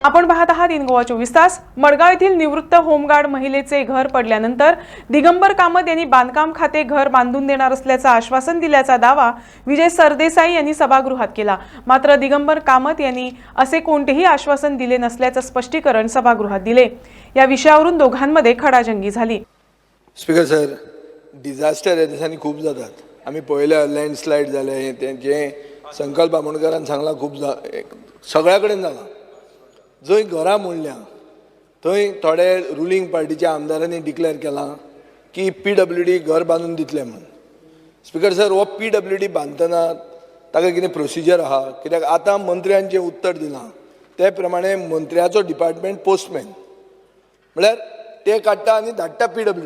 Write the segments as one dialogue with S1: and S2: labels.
S1: आपण पाहत आहात इन गोवा 24 तास। मडगाव येथील निवृत्त होमगार्ड महिलेचे घर पडल्यानंतर दिगंबर कामत यांनी बांधकाम खाते घर बांधून देणार असल्याचं आश्वासन दिल्याचा दावा विजय सरदेसाई यांनी सभागृहात केला। मात्र दिगंबर कामत यांनी असे कोणतेही आश्वासन दिले नसल्याचं स्पष्टीकरण सभागृहात दिले। या विषयावरून दोघांमध्ये खडाजंगी झाली।
S2: स्पीकर सर, डिझास्टर ह्या दिसांनी खूप जातात। आम्ही पळयल्या लँडस्लायड जाले, जे संकल्प आमोणकरान सांगला खूप सगळ्या कडेन जाला। जंय घरां मोडल्या थंय थोडे रुलींग पार्टीच्या आमदारांनी डिक्लेअर केलां की PWD घर बांदून दितले म्हणून। स्पीकर सर, हो PWD बांदतना ताका कितें प्रोसिजर आहा? कित्याक आतां मंत्र्यान जें उत्तर दिलां ते प्रमाणे मंत्र्याचो डिपार्टमेंट पोस्टमॅन म्हळ्यार ते काडटा आनी धाडटा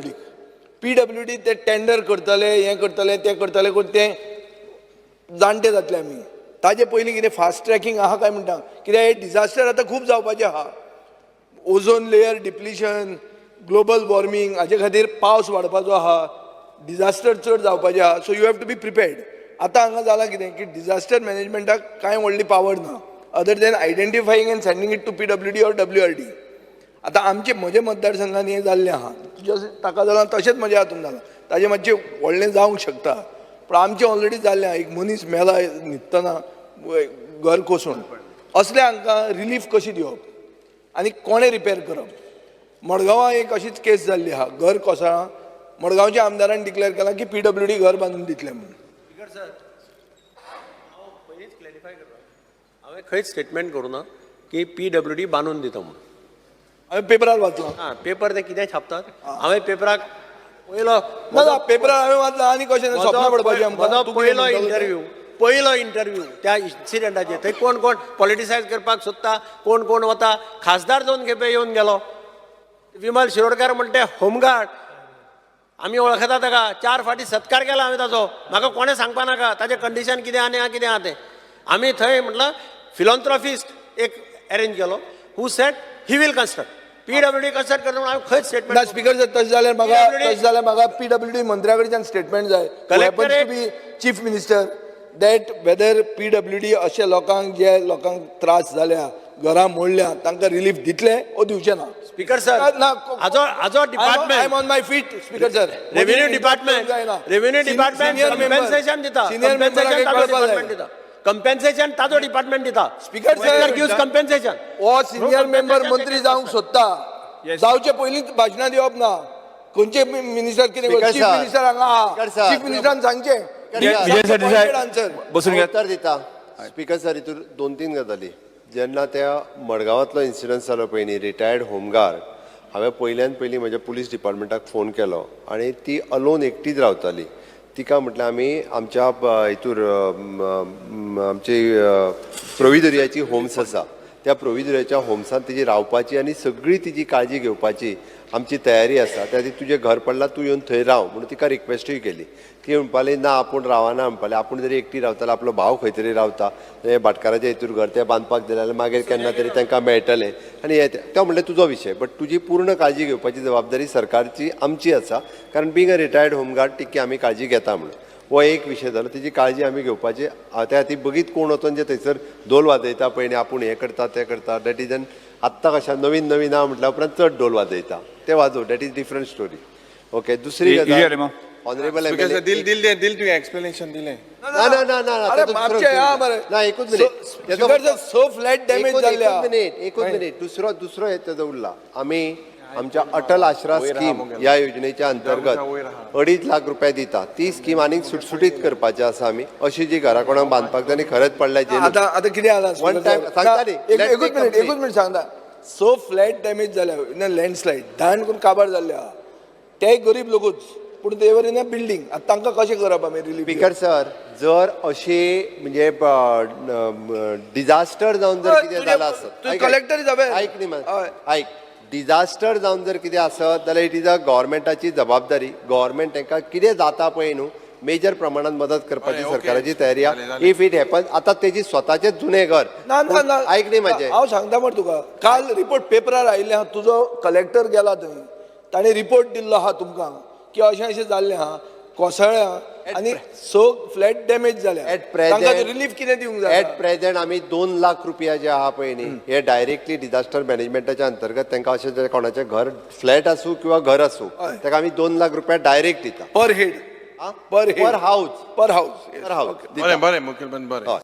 S2: PWD ते टेंडर करतले, हें करतले, तें करतले करून ते जाणटे जातले आमी। ताजे पयलीं कितें फास्ट ट्रॅकिंग आहा काय म्हणटा, कित्याक हे डिझास्टर आतां खूब जावपाचें आहा। Ozone layer depletion, global warming, हाजे खातीर पावस वाडपाचो आहा, डिझास्टर चड जावपाचें आहा। So you have to be prepared. आतां हांगा जालां कितें की डिझास्टर मॅनेजमेंटाक कांय व्हडली पावर ना other than identifying and sending it to PWD or WRD। आतां आमचे म्हजे मतदारसंघान हें जाल्लें आहा, ताका जालां तशेंच म्हज्या हातून जालां, ताजें मातशें व्हडलें जावंक शकता, पूण आमचें ऑलरेडी जाल्लें आहा। एक मनीस मेला न्हिदतना घर कोसळून, असल्या हांकां रिलीफ कशी दिवप आनी कोणें रिपेर करप? मडगांवां एक अशीच केस जाल्ली आहा, घर कोसळ्ळां, मडगांवच्या आमदारान डिक्लेअर केलां की PWD घर बांदून दितले म्हणून।
S3: स्पीकर सर, हांव पयलींच क्लॅरिफाय करता, हांवें खंयच स्टेटमेंट करूं ना की PWD बांदून दिता म्हणून।
S2: हांवें पेपरार वाचलां।
S3: हां, पेपर ते कितें छापतात? हांवें पेपराक पयलो
S2: ना पेपरार हांवें वाचलां आनी कशें स्वप्नां पडपाचें आमकां?
S3: म्हजो पयलो इंटरव्यू त्या इन्सिडेंटाचेर थंय कोण कोण पॉलिटिसायज करपाक सोदता, कोण कोण वता। खासदार 2 खेपे येवन गेलो, विमल शिरोडकार म्हणटे होमगार्ड, आमी वळखता ताका, 4 फावटी सत्कार केला हांवें ताचो। म्हाका कोणें सांगपा नाका ताजें कंडिशन कितें आनी कितें आहा तें। आमी थंय म्हटलं फिलॉन्थ्रॉफिस्ट एक अरेंज केलो, who said he will construct PWD construct करता म्हणून हांवें खंयच स्टेटमेंट
S2: ना। स्पीकर सर, तशें जाल्यार म्हाका PWD मंत्र्या कडच्यान स्टेटमेंट जाय, chief minister, that whether PWD अशे लोकांक जे लोकांक त्रास जाल्या, घरां मोडल्या, तांकां रिलीफ दितले ओ दिवचे ना।
S3: स्पीकर सर, हाजो department,
S2: I am on my feet speaker sir.
S3: Revenue department compensation दिता, कंपेन्सेशन ताजो डिपार्टमेंट दिता।
S2: Speaker sir
S3: gives compensation.
S2: हो सिनियर मेंबर मंत्री जावंक सोदता, जावचे पयलींच भाशणां दिवप ना। खंयचे मिनिस्टर कितें चीफ मिनिस्टर हांगा आहा, चीफ मिनिस्टरान सांगचें
S4: बसून उत्तर दिता। स्पीकर सर, हितून 2-3 गजाली। जेन्ना त्या मडगांवांतलो इन्सिडंट जालो पळय न्ही, रिटायर्ड होमगार्ड, हांवें पयल्यान पयलीं म्हज्या पुलीस डिपार्टमेंटाक फोन केलो आनी ती अलोन एकटीच रावताली। तिका म्हटलें आमी आमच्या हितूर आमची प्रोविदोरियाची होम्स आसा, त्या प्रोविदोरियाच्या होम्सांत तिची रावपाची आनी सगळी तिची काळजी घेवपाची आमची तयारी आसा। त्या खातीर तुजें घर पडलां, तूं येवन थंय राव म्हणून तिका रिक्वेस्टूय केली। ती म्हणपाली ना आपूण रावना, म्हणपाली आपूण जरी एकटी रावतालो, आपलो भाव खंय तरी रावता, भाटकाराच्या हितूर घर तें बांदपाक दिलें जाल्यार मागीर केन्ना तरी तांकां मेळटलें आनी हें तो म्हणलें तुजो विशय, बट तुजी पूर्ण काळजी घेवपाची जबाबदारी सरकारची आमची आसा, कारण बींग अ रिटायर्ड होमगार्ड तिकी आमी काळजी घेता म्हणून। हो एक विशय जालो, तिची काळजी आमी घेवपाची। त्या खातीर बगीत कोण वचून जे थंयसर ढोल वाजयता पळय न्ही, आपूण हें करता तें करता, डॅट इज एन आत्तां कशें नवीन नवीन आहा म्हटल्या उपरांत चड ढोल वाजयता, ते वाजोव, that is different story. Okay, दुसरी गजाल, ऑनरेबल
S2: दिल एक्सप्लेनेशन दिलें
S4: ना ना ना ना ना एकूच मिनिट,
S2: सो फ्लॅट डॅमेज जाल्ल्या।
S4: एकूच मिनिट, दुसरो हे तेजो उरला। आमी आमच्या अटल आश्रा स्कीम ह्या योजनेच्या अंतर्गत 2.5 लाख रुपया दिता। ती स्कीम आनीक सुटसुटीत करपाची आसा आमी, अशी जी घरा कोणाक बांदपाक जाय खरंच पडल्या जे
S2: आतां कितें जाला
S4: वन टायम सांगता न्ही,
S2: एकूच मिनिट सांगता। सो फ्लॅट डॅमेज जाल्या इन अ लँडस्लायड, धाण करून काबार जाल्ले आहा, ते गरीब लोकूच, पूण तेवर इन अ बिल्डींग, आतां तांकां कशें करप आमी रिलीफ?
S4: स्पीकर सर, जर अशी म्हणजे डिझास्टर जावन जर कितें जालां आसत,
S2: कलेक्टर
S4: आयक न्ही आयक, डिझास्टर जावन जर कितें आसत जाल्यार इट इज अ गव्हर्मेंटाची जबाबदारी। गव्हर्मेंट तांकां कितें जाता पळय न्हू, मेजर प्रमाणात मदत करपाची सरकाराची तयारी आहा। इफ इट हॅपन्स, आतां तेजी स्वताचें जुनें घर, आयक न्ही म्हाजें,
S2: हांव सांगता मरे तुका, काल रिपोर्ट पेपरार आयिल्लें आहा, तुजो कलेक्टर गेला थंय, ताणें रिपोर्ट दिल्लो आहा तुमकां की अशें अशें जाल्लें आहा। कोसळ्ळ्या आनी स फ्लॅट डॅमेज जाल्या
S4: एट
S2: तांकां
S4: प्रेझेंट
S2: रिलीफ कितें दिवंक जाय
S4: एट प्रेझेंट आमी 2 लाख रुपया जे आहा पळय न्ही हे डायरेक्टली डिझास्टर मॅनेजमेंटाच्या अंतर्गत तांकां अशें जे कोणाचें घर फ्लॅट आसूं किंवा घर आसूं
S2: हय.
S4: ताका आमी 2 लाख रुपया डायरेक्ट दिता
S2: per head per
S4: per house
S2: per house
S4: per house
S5: बरें बरें मुखेलमंत्री बरें
S4: हय